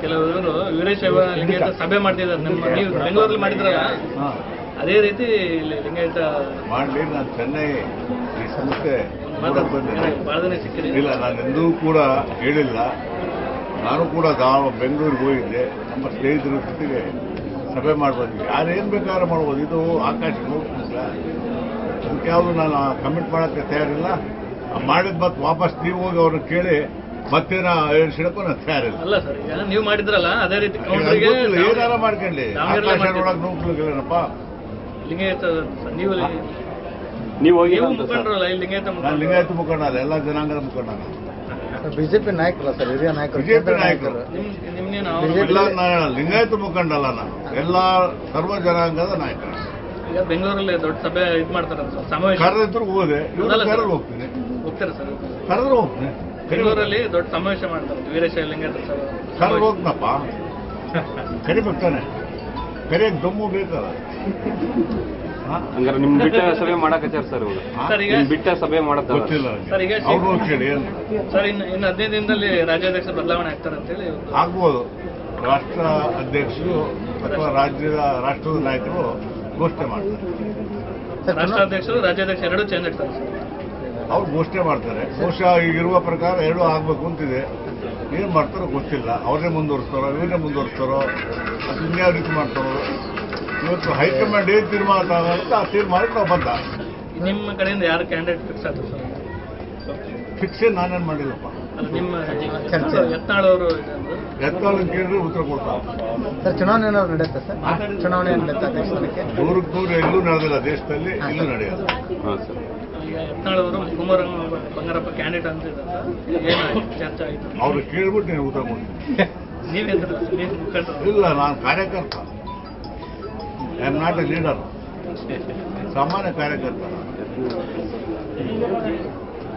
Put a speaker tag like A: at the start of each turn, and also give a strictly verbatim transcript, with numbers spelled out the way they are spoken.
A: ಕೆಲವರು ವೀರಶೈವ ಲಿಂಗಾಯತ ಸಭೆ ಮಾಡ್ತಿದ್ದಾರೆ. ನಿಮ್ಮ ನೀವು ಬೆಂಗಳೂರಲ್ಲಿ ಮಾಡಿದ್ರಲ್ಲ ಅದೇ ರೀತಿ ಲಿಂಗಾಯತ
B: ಮಾಡಲಿ. ನಾನು ಚೆನ್ನೈ ಈ ಸಂಸ್ಥೆ
A: ಬಹಳ ದಿನ ಸಿಕ್ಕಿದೆ.
B: ಇಲ್ಲ, ನಾನು ಎಂದೂ ಕೂಡ ಹೇಳಿಲ್ಲ. ನಾನು ಕೂಡ ಬೆಂಗಳೂರಿಗೆ ಹೋಗಿದ್ದೆ, ನಮ್ಮ ಸ್ನೇಹಿತರ ಜೊತೆಗೆ ಸಭೆ ಮಾಡ್ಬೋದು. ಯಾರೇನು ಬೇಕಾದ್ರೆ ಮಾಡ್ಬೋದು. ಇದು ಆಕಾಶ ನೋಡ್ತಿಲ್ಲ, ಅದಕ್ಕೆ ಯಾವುದು ನಾನು ಕಮಿಟ್ ಮಾಡೋಕ್ಕೆ ತಯಾರಿಲ್ಲ. ಮಾಡಿದ ಮತ್ತೆ ವಾಪಸ್ ನೀವು ಹೋಗಿ ಅವ್ರನ್ನ ಕೇಳಿ ಮತ್ತೇನ ಹೇಳ್ಸಿಡಕ್ಕೂ ನಾನು ತಯಾರಿಲ್ಲ.
A: ಅಲ್ಲ ಸರ್, ಈಗ ನೀವು ಮಾಡಿದ್ರಲ್ಲ ಅದೇ ರೀತಿ
B: ಏನಾರ ಮಾಡ್ಕೊಳ್ಳಿ. ಆಕಾಶ ನೋಡಕ್ ನೋಡ್ಲಿಲ್ಲಪ್ಪ
A: ಲಿಂಗಾಯತ ನೀವು
C: ನೀವು ಹೋಗಿ
A: ಮುಖಂಡ್ರಲ್ಲ ಇಲ್ಲಿ ಲಿಂಗಾಯತ
B: ನಾನು ಲಿಂಗಾಯತ ಮುಖಂಡ ಅಲ್ಲ, ಎಲ್ಲ ಜನಾಂಗದ ಮುಖಂಡ.
D: ಬಿಜೆಪಿ ನಾಯಕರಲ್ಲ ಸರ್, ಹಿರಿಯ ನಾಯಕರು,
B: ಬಿಜೆಪಿ ನಾಯಕರು.
A: ನಿಮ್ಗೇನು
B: ಲಿಂಗಾಯತ ಮುಖಂಡ ಅಲ್ಲ, ನಾನು ಎಲ್ಲ ಸರ್ವ ಜನಾಂಗದ ನಾಯಕರು.
A: ಈಗ ಬೆಂಗಳೂರಲ್ಲಿ ದೊಡ್ಡ ಸಭೆ ಇದು ಮಾಡ್ತಾರೆ ಸಮಾವೇಶ.
B: ಕರೆದಿದ್ರು ಹೋದೆ, ಕರೆದು ಹೋಗ್ತೀನಿ.
A: ಹೋಗ್ತಾರೆ ಸರ್?
B: ಕರೆದ್ರು ಹೋಗ್ತೀನಿ.
A: ಬೆಂಗಳೂರಲ್ಲಿ ದೊಡ್ಡ ಸಮಾವೇಶ ಮಾಡ್ತಾರೆ ವೀರಶೈವ ಲಿಂಗಾಯತ ಸಭೆ.
B: ಕರೆದು ಹೋಗ್ತಪ್ಪ, ಕರಿಬೇಕಾನೆ. ಕರಿಯಕ್ಕೆ ದಮ್ಮು ಬೇಕಲ್ಲ.
C: ಹಂಗಾರೆ ನಿಮ್ ಬಿಟ್ಟ ಸಭೆ ಮಾಡಕತ್ತಾರ ಸರ್ ಇವಾಗ?
A: ಸರ್ ಈಗ
C: ಬಿಟ್ಟ ಸಭೆ ಮಾಡತ್ತ
B: ಗೊತ್ತಿಲ್ಲ
A: ಸರ್. ಈಗ
B: ಅವ್ರು ಕೇಳಿ
A: ಸರ್ ಇನ್ನು ಇನ್ನು ಹದಿನೈದು ದಿನದಲ್ಲಿ ರಾಜ್ಯಾಧ್ಯಕ್ಷ ಬದಲಾವಣೆ ಆಗ್ತಾರೆ ಅಂತೇಳಿ
B: ಆಗ್ಬೋದು. ರಾಷ್ಟ್ರ ಅಧ್ಯಕ್ಷರು ಅಥವಾ ರಾಜ್ಯದ ರಾಷ್ಟ್ರದ ನಾಯಕರು ಘೋಷಣೆ ಮಾಡ್ತಾರೆ.
A: ರಾಷ್ಟ್ರಾಧ್ಯಕ್ಷರು ರಾಜ್ಯಾಧ್ಯಕ್ಷ ಎರಡೂ ಚೇಂಜ್ ಆಗ್ತಾರೆ ಸರ್.
B: ಅವ್ರು ಘೋಷಣೆ ಮಾಡ್ತಾರೆ. ಬಹುಶಃ ಈಗಿರುವ ಪ್ರಕಾರ ಎರಡೂ ಆಗ್ಬೇಕು ಅಂತಿದೆ. ಏನ್ ಮಾಡ್ತಾರೋ ಗೊತ್ತಿಲ್ಲ. ಅವ್ರನ್ನೇ ಮುಂದುವರಿಸ್ತಾರೋ ಇವರನ್ನೇ ಮುಂದುವರಿಸ್ತಾರೋ ಅದು ಇನ್ಯಾವ ರೀತಿ ಮಾಡ್ತಾರೋ. ಇವತ್ತು ಹೈಕಮಾಂಡ್ ಏನ್ ತೀರ್ಮಾನ ತಗೊಳುತ್ತೆ ಆ ತೀರ್ಮಾನಕ್ಕೆ ನಾವು ಬಂದ.
A: ನಿಮ್ಮ ಕಡೆಯಿಂದ ಯಾರು ಕ್ಯಾಂಡಿಡೇಟ್ ಫಿಕ್ಸ್ ಆದ್ರು ಸರ್?
B: ಫಿಕ್ಸ್ ನಾನೇನ್ ಮಾಡಿಲ್ಲಪ್ಪ.
A: ಅಲ್ಲ ನಿಮ್ಮ ಯತ್ನಾಳ್ ಅವರು
B: ಯತ್ನಾಳ್ ಕೇಳಿದ್ರೆ ಉತ್ತರ ಕೊಡ್ತಾರೆ
D: ಸರ್. ಚುನಾವಣೆ ಏನಾದ್ರು ನಡೆಯುತ್ತೆ ಸರ್? ಚುನಾವಣೆ ನಡೆಯುತ್ತೆ ಅಧ್ಯಕ್ಷ ಸ್ಥಾನಕ್ಕೆ?
B: ನೂರಕ್ಕೆ ನೂರು ಎಲ್ಲೂ ನಡೆದಿಲ್ಲ ದೇಶದಲ್ಲಿ, ಇಲ್ಲೂ ನಡೆಯೋದು.
A: ಈಗ ಯತ್ನಾಳ್ ಅವರು ಕುಮಾರ ಬಂಗಾರಪ್ಪ ಕ್ಯಾಂಡಿಡೇಟ್ ಅಂತಿದ್ದಾರೆ, ಏನಾಯ್ತು ಚರ್ಚೆ ಆಯ್ತು?
B: ಅವ್ರು ಕೇಳ್ಬಿಟ್ಟು ನೀವು ಉತ್ತರ ಕೊಡ್ತೀನಿ.
A: ನೀವೇಂದ್ರ ನೀವು ಮುಖಂಡರು?
B: ಇಲ್ಲ, ನಾನು ಕಾರ್ಯಕರ್ತ. I am not a leader, ಸಾಮಾನ್ಯ ಕಾರ್ಯಕರ್ತ.